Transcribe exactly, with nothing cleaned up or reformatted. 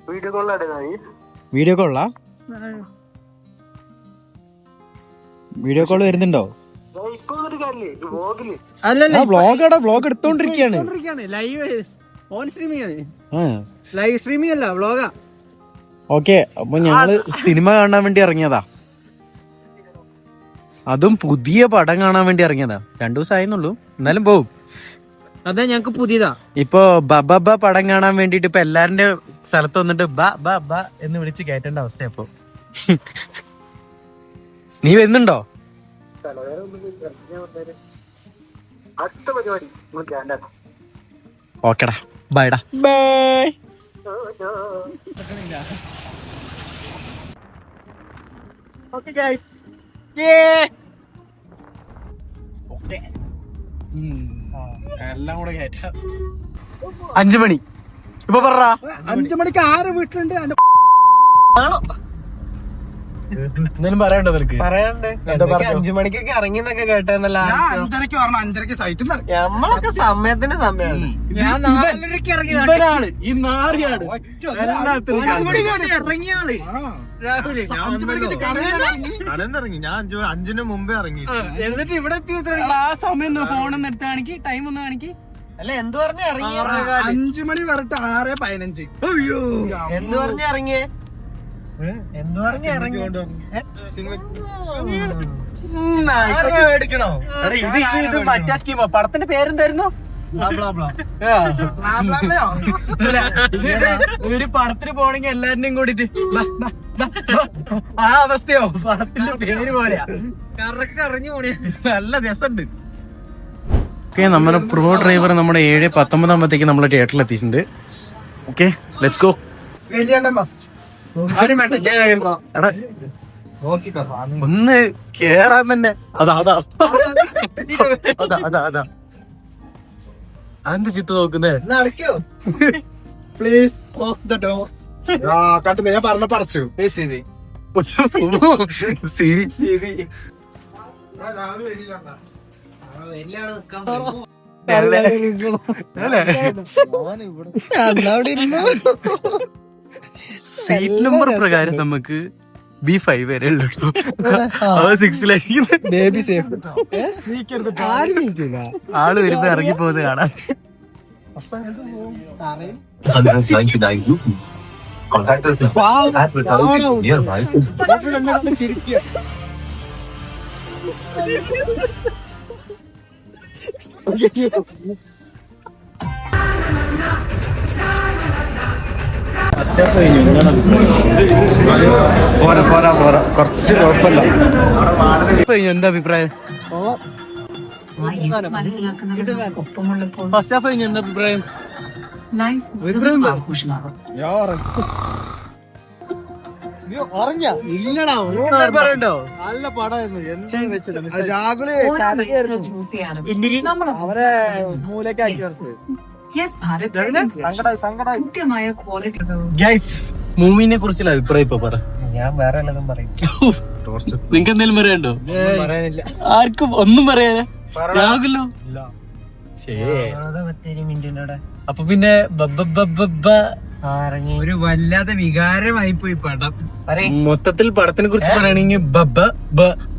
Video കോളാ? Video call വരുന്നുണ്ടോ? വ്ളോഗാടാ, vlog എടുത്തോണ്ടിരിക്കാണ്. ലൈവ് സ്ട്രീമിംഗ് അല്ല, വ്ളോഗാ. ഓക്കെ, അപ്പൊ ഞങ്ങള് സിനിമ കാണാൻ വേണ്ടി ഇറങ്ങിയതാ. അതും പുതിയ പടം കാണാൻ വേണ്ടി ഇറങ്ങിയതാ. രണ്ടു ദിവസം ആയിരുന്നുള്ളൂ, എന്നാലും പോവും. അതെ, ഞങ്ങക്ക് പുതിയതാ. ഇപ്പൊ ബബ പടം കാണാൻ വേണ്ടിട്ട് ഇപ്പൊ എല്ലാരുടെ സ്ഥലത്ത് വന്നിട്ട് ബ ബ ബ എന്ന് വിളിച്ച് കയറ്റേണ്ട അവസ്ഥ. അപ്പൊ നീ വരുന്നുണ്ടോ? ഓക്കെടാ, ബൈഡാ. ബൈ. ഓക്കെ ഗൈസ്, എല്ലാം കൂടെ കയറ്റാം. അഞ്ചു മണി ഇപ്പൊ പറ. അഞ്ചു മണിക്ക് ആരെ വീട്ടിലുണ്ട്? എന്തെങ്കിലും പറയണ്ടോ നിനക്ക്? പറയാണ്ട് അഞ്ചു മണിക്കൊക്കെ ഇറങ്ങിന്നൊക്കെ കേട്ടെന്നല്ല. അഞ്ചരക്ക് പറഞ്ഞു, അഞ്ചരക്ക് സൈറ്റ് നമ്മളൊക്കെ സമയത്തിന്റെ സമയമാണ്. ഞാൻ നാലരക്ക് ഇറങ്ങിയതാണ്. ഈ നാറിയാണ് ഇറങ്ങിയാണ് രാവിലെ. കടന്നിറങ്ങി ഞാൻ അഞ്ചു അഞ്ചിന് മുമ്പേ ഇറങ്ങി. എന്നിട്ട് ഇവിടെ എത്തി. ആ സമയം ഫോണൊന്ന് എടുത്ത് കാണിക്ക്, ടൈം ഒന്ന് കാണിക്ക്. അല്ല, എന്ത് പറഞ്ഞ ഇറങ്ങി? അഞ്ചു മണി പറഞ്ഞിട്ട് ആറ് പതിനഞ്ച്. അയ്യോ, എന്ത് പറഞ്ഞ ഇറങ്ങിയേ? എന്ത് പറഞ്ഞ ഇറങ്ങി? മേടിക്കണോ? ഇത് മറ്റാ സ്കീമോ? പടത്തിന്റെ പേരെന്തായിരുന്നു? ഒരു പടത്തിന് പോണെങ്കി എല്ലാരിനെയും കൂടിട്ട് ആ അവസ്ഥയോ? പടത്തിന്റെ പേര് പോലെയാ. കറക്റ്റ് അറിഞ്ഞു പോണേ. നല്ല രസമുണ്ട്. ഓക്കെ, നമ്മുടെ പ്രോ ഡ്രൈവർ നമ്മുടെ ഏഴ് പത്തൊമ്പതാകുമ്പോഴത്തേക്ക് നമ്മളെ തിയേറ്ററിൽ എത്തിയിട്ടുണ്ട്. Okay, let's go. ഒന്ന് കേറാൻ തന്നെ. അതാ അതാ അതാ അതാ അതാ അതെന്ത് ചിത്രം നോക്കുന്നേ? Please close the door. കണ്ടില്ല, ഞാൻ പറഞ്ഞ പടച്ചു. ശരി ശരി ശരി. സീറ്റ് നമ്പർ പ്രകാരം നമുക്ക് ബി ഫൈവ് വരെ ഉള്ളൂ. സിക്സിലായിരിക്കും. Baby safe. ആള് വരുമ്പോ ഇറങ്ങി പോകുന്നത് കാണാം. പോരാ പോരാ പോരാ കുറച്ച് കുഴപ്പമില്ല. എന്താ അഭിപ്രായം? ഫസ്റ്റ് ഹാഫ് കഴിഞ്ഞു, എന്താ അഭിപ്രായം? പറയണ്ടോ? നല്ല പടമായിരുന്നു. രാഹുല് അവരെ മൂലക്കാക്കി മൂവിനെ കുറിച്ചുള്ള അഭിപ്രായം ഇപ്പൊ പറ. ഞാൻ വേറെ വല്ലതും പറയും. നിങ്ങക്ക് എന്തെങ്കിലും പറയണ്ടോ? പറയാനില്ല. ആർക്കും ഒന്നും പറയാനാ? രാഹുലോ? അപ്പൊ പിന്നെ ഒരു വല്ലാത്ത വികാരമായി പോയി പടം. മൊത്തത്തിൽ പടത്തിനെ കുറിച്ച് പറയുകയാണെങ്കിൽ ബബ്ബ ബ